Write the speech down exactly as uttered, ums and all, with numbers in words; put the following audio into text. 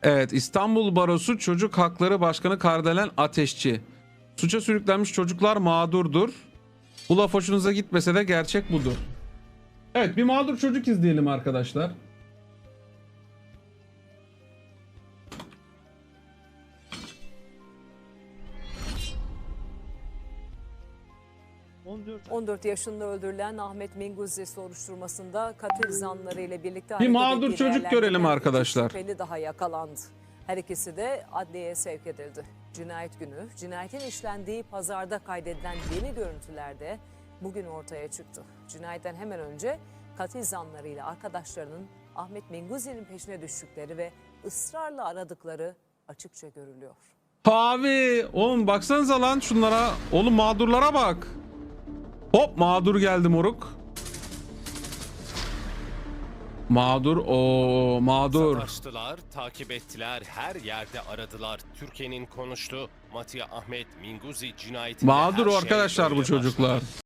Evet, İstanbul Barosu Çocuk Hakları Başkanı Kardelen Ateşçi. Suça sürüklenmiş çocuklar mağdurdur. Bu laf hoşunuza gitmese de gerçek budur. Evet, bir mağdur çocuk izleyelim arkadaşlar. on dört yaşında öldürülen Ahmet Minguzi soruşturmasında katil zanları ile birlikte Bir mağdur hareket ettiği çocuk görelim değerlendirilen arkadaşlar. iki şüpheli daha yakalandı. Her ikisi de adliyeye sevk edildi. Cinayet günü, cinayetin işlendiği pazarda kaydedilen yeni görüntülerde bugün ortaya çıktı. Cinayetten hemen önce katil zanlarıyla arkadaşlarının Ahmet Minguzi'nin peşine düştükleri ve ısrarla aradıkları açıkça görülüyor. Abi oğlum baksanıza lan şunlara. Oğlum mağdurlara bak. Hop mağdur geldi moruk. Mağdur o mağdur. Savaştılar, takip ettiler, her yerde aradılar. Türkiye'nin konuştu. Matya Ahmet Minguzi cinayetinde Mağdur her şey arkadaşlar bu böyle çocuklar. başladı.